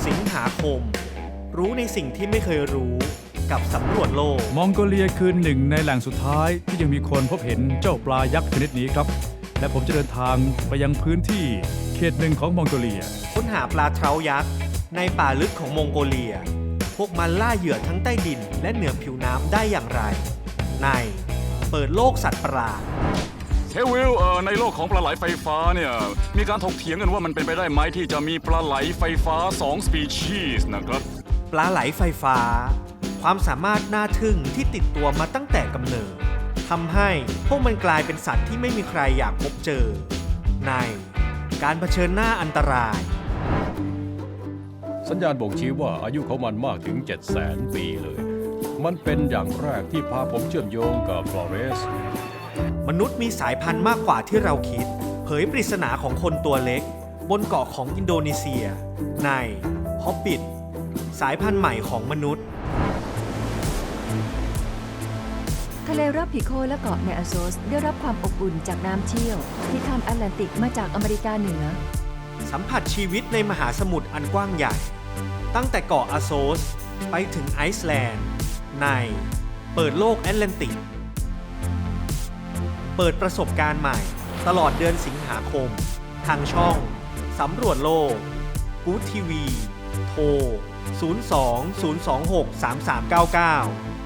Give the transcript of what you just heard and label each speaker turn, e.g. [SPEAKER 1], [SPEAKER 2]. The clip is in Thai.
[SPEAKER 1] สิงหาคม รู้ในสิ่งที่ไม่เคยรู้กับสำรวจโลก
[SPEAKER 2] มองโกเลียคือหนึ่งในแหล่งสุดท้ายที่ยังมีคนพบเห็นเจ้าปลายักษ์ชนิดนี้ครับและผมจะเดินทางไปยังพื้นที่เขตหนึ่งของมองโกเลีย
[SPEAKER 1] ค้นหาปลาเทรายักษ์ในป่าลึกของมองโกเลียพวกมันล่าเหยื่อทั้งใต้ดินและเหนือผิวน้ำได้อย่างไรในเปิดโลกสัตว์ประหลาด
[SPEAKER 3] เฮวิลในโลกของปลาไหลไฟฟ้าเนี่ยมีการถกเถียงกันว่ามันเป็นไปได้ไหมที่จะมีปลาไหลไฟฟ้า2 สปีชีส์นะครับ
[SPEAKER 1] ปลาไหลไฟฟ้าความสามารถน่าทึ่งที่ติดตัวมาตั้งแต่กำเนิดทำให้พวกมันกลายเป็นสัตว์ที่ไม่มีใครอยากพบเจอในการเผชิญหน้าอันตราย
[SPEAKER 4] สัญญาณบ่งชี้ว่าอายุของมันมากถึง 700,000 ปีเลยมันเป็นอย่างแรกที่พาผมเชื่อมโยงกับฟลอเรส
[SPEAKER 1] มนุษย์มีสายพันธุ์มากกว่าที่เราคิดเผยปริศนาของคนตัวเล็กบนเกาะของอินโดนีเซียในฮอบบิทสายพันธุ์ใหม่ของมนุษย์
[SPEAKER 5] ทะเลรับพิโคและเกาะในอาโซสได้รับความอบอุ่นจากน้ำเชี่ยวที่ข้ามแอตแลนติกมาจากอเมริกาเหนือ
[SPEAKER 1] สัมผัสชีวิตในมหาสมุทรอันกว้างใหญ่ตั้งแต่เกาะอาโซสไปถึงไอซ์แลนด์ในเปิดโลกแอตแลนติกเปิดประสบการณ์ใหม่ตลอดเดือนสิงหาคมทางช่องสำรวจโลกกู๊ดทีวีโทร 02-026-3399